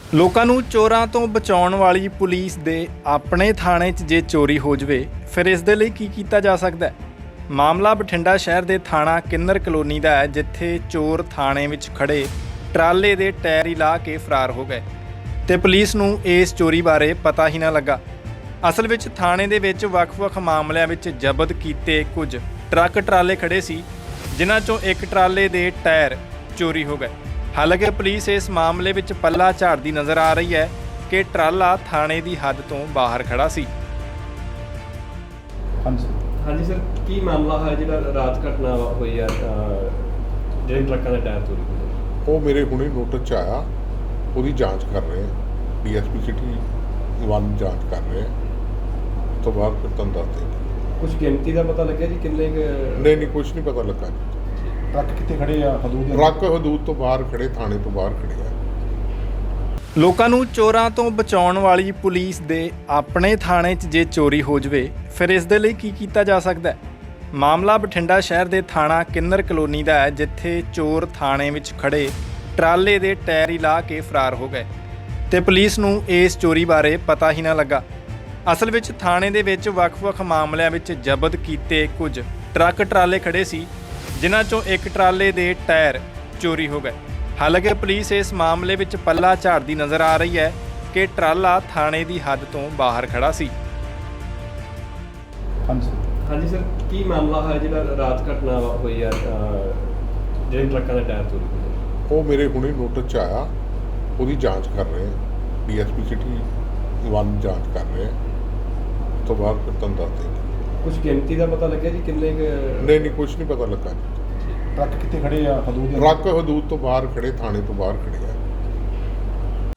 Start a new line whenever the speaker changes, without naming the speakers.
ਲੋਕਾਂ ਨੂੰ ਚੋਰਾਂ ਤੋਂ ਬਚਾਉਣ ਵਾਲੀ ਪੁਲਿਸ ਦੇ ਆਪਣੇ ਥਾਣੇ 'ਚ ਜੇ ਚੋਰੀ ਹੋ ਜਵੇ ਫਿਰ ਇਸ ਦੇ ਲਈ ਕੀ ਕੀਤਾ ਜਾ ਸਕਦਾ ਹੈ। ਮਾਮਲਾ ਬਠਿੰਡਾ ਸ਼ਹਿਰ ਦੇ ਥਾਣਾ ਕਿੰਨਰ ਕਲੋਨੀ ਦਾ ਹੈ, ਜਿੱਥੇ ਚੋਰ ਥਾਣੇ ਵਿੱਚ ਖੜੇ ਟਰਾਲੇ ਦੇ ਟਾਇਰ ਹੀ ਲਾ ਕੇ ਫਰਾਰ ਹੋ ਗਏ ਤੇ ਪੁਲਿਸ ਨੂੰ ਇਸ ਚੋਰੀ ਬਾਰੇ ਪਤਾ ਹੀ ਨਾ ਲੱਗਾ। ਅਸਲ ਵਿੱਚ ਥਾਣੇ ਦੇ ਵਿੱਚ ਵੱਖ-ਵੱਖ ਮਾਮਲਿਆਂ ਵਿੱਚ ਜ਼ਬਤ ਕੀਤੇ ਕੁਝ ਟਰੱਕ ਟਰਾਲੇ ਖੜੇ ਸੀ, ਜਿਨ੍ਹਾਂ 'ਚੋਂ ਇੱਕ ਟਰਾਲੇ ਦੇ ਟਾਇਰ ਚੋਰੀ ਹੋ ਗਏ। ਹਾਲਾਂਕਿ ਪੁਲਿਸ ਇਸ ਮਾਮਲੇ ਵਿੱਚ ਪੱਲਾ ਝਾੜਦੀ ਨਜ਼ਰ ਆ ਰਹੀ ਹੈ ਕਿ ਟਰਾਲਾ ਥਾਣੇ ਦੀ ਹੱਦ ਤੋਂ ਬਾਹਰ ਖੜਾ ਸੀ।
ਹਾਂਜੀ ਸਰ, ਕੀ ਮਾਮਲਾ ਹੈ ਜਿਹੜਾ ਰਾਤ ਘਟਨਾ ਹੋਈ ਹੈ ਜਿਹੜੇ ਟਰੱਕਾਂ ਦੇ ਟਾਇਰ ਚੋਰੀ ਹੋਏ?
ਉਹ ਮੇਰੇ ਹੁਣੇ ਨੋਟਿਸ 'ਚ ਆਇਆ, ਉਹਦੀ ਜਾਂਚ ਕਰ ਰਹੇ ਆ। ਡੀਐਸਪੀ ਸਿਟੀ 1 ਜਾਂਚ ਕਰ ਰਹੇ ਆ, ਉਸ ਤੋਂ ਬਾਅਦ ਫਿਰ ਤੁਹਾਨੂੰ ਦੱਸ ਦੇਣਗੇ।
ਕੁਝ ਗਿਣਤੀ ਦਾ ਪਤਾ ਲੱਗਿਆ ਜੀ ਕਿੰਨੇ
ਨਹੀਂ ਕੁਝ ਨਹੀਂ ਪਤਾ ਲੱਗਾ ਜੀ।
ਟਰੱਕ ਕਿੱਥੇ ਖੜੇ ਆ? ਹਦੂਦ
ਟਰੱਕ ਹਦੂਦ ਤੋਂ ਬਾਹਰ ਖੜੇ, ਥਾਣੇ ਤੋਂ ਬਾਹਰ ਖੜੇ ਆ।
ਲੋਕਾਂ ਨੂੰ ਚੋਰਾਂ ਤੋਂ ਬਚਾਉਣ ਵਾਲੀ ਪੁਲਿਸ ਦੇ ਆਪਣੇ ਥਾਣੇ 'ਚ ਜੇ ਚੋਰੀ ਹੋ ਜਵੇ ਫਿਰ ਇਸ ਦੇ ਲਈ ਕੀ ਕੀਤਾ ਜਾ ਸਕਦਾ ਹੈ। ਮਾਮਲਾ ਬਠਿੰਡਾ ਸ਼ਹਿਰ ਦੇ ਥਾਣਾ ਕਿੰਨਰ ਕਲੋਨੀ ਦਾ ਹੈ, ਜਿੱਥੇ ਚੋਰ ਥਾਣੇ ਵਿੱਚ ਖੜੇ ਟਰਾਲੇ ਦੇ ਟਾਇਰ ਹੀ ਲਾ ਕੇ ਫਰਾਰ ਹੋ ਗਏ ਤੇ ਪੁਲਿਸ ਨੂੰ ਇਸ ਚੋਰੀ ਬਾਰੇ ਪਤਾ ਹੀ ਨਾ ਲੱਗਾ। ਅਸਲ ਵਿੱਚ ਥਾਣੇ ਦੇ ਵਿੱਚ ਵੱਖ-ਵੱਖ ਮਾਮਲਿਆਂ ਵਿੱਚ ਜ਼ਬਤ ਕੀਤੇ ਕੁਝ ਟਰੱਕ ਟਰਾਲੇ ਖੜੇ ਸੀ, ਜਿਨ੍ਹਾਂ 'ਚੋਂ ਇੱਕ ਟਰਾਲੇ ਦੇ ਟਾਇਰ ਚੋਰੀ ਹੋ ਗਏ। ਹਾਲਾਂਕਿ ਪੁਲਿਸ ਇਸ ਮਾਮਲੇ ਵਿੱਚ ਪੱਲਾ ਝਾੜਦੀ ਨਜ਼ਰ ਆ ਰਹੀ ਹੈ ਕਿ ਟਰਾਲਾ ਥਾਣੇ ਦੀ ਹੱਦ ਤੋਂ ਬਾਹਰ ਖੜਾ ਸੀ।
ਹਾਂਜੀ ਸਰ, ਕੀ ਮਾਮਲਾ ਹੈ ਜਿਹੜਾ ਰਾਤ ਘਟਨਾ ਹੋਈ ਹੈ ਜਿਹੜੇ ਟਰੱਕਾਂ ਦੇ ਟਾਇਰ ਚੋਰੀ ਹੋਏ?
ਉਹ ਮੇਰੇ ਹੁਣੇ ਨੋਟਿਸ 'ਚ ਆਇਆ, ਉਹਦੀ ਜਾਂਚ ਕਰ ਰਹੇ ਆ। ਡੀਐਸਪੀ ਸਿਟੀ 1 ਜਾਂਚ ਕਰ ਰਹੇ ਆ, ਉਸ ਤੋਂ ਬਾਅਦ ਫਿਰ ਤੁਹਾਨੂੰ ਦੱਸ ਦੇਣਗੇ।
ਕੁਝ ਗਿਣਤੀ ਦਾ ਪਤਾ ਲੱਗਿਆ ਜੀ ਕਿੰਨੇ
ਨਹੀਂ ਕੁਝ ਨਹੀਂ ਪਤਾ ਲੱਗਾ ਜੀ।
ਟਰੱਕ ਕਿੱਥੇ ਖੜੇ ਆ? ਹਦੂਦ
ਟਰੱਕ ਹਦੂਦ ਤੋਂ ਬਾਹਰ ਖੜੇ, ਥਾਣੇ ਤੋਂ ਬਾਹਰ ਖੜੇ ਆ।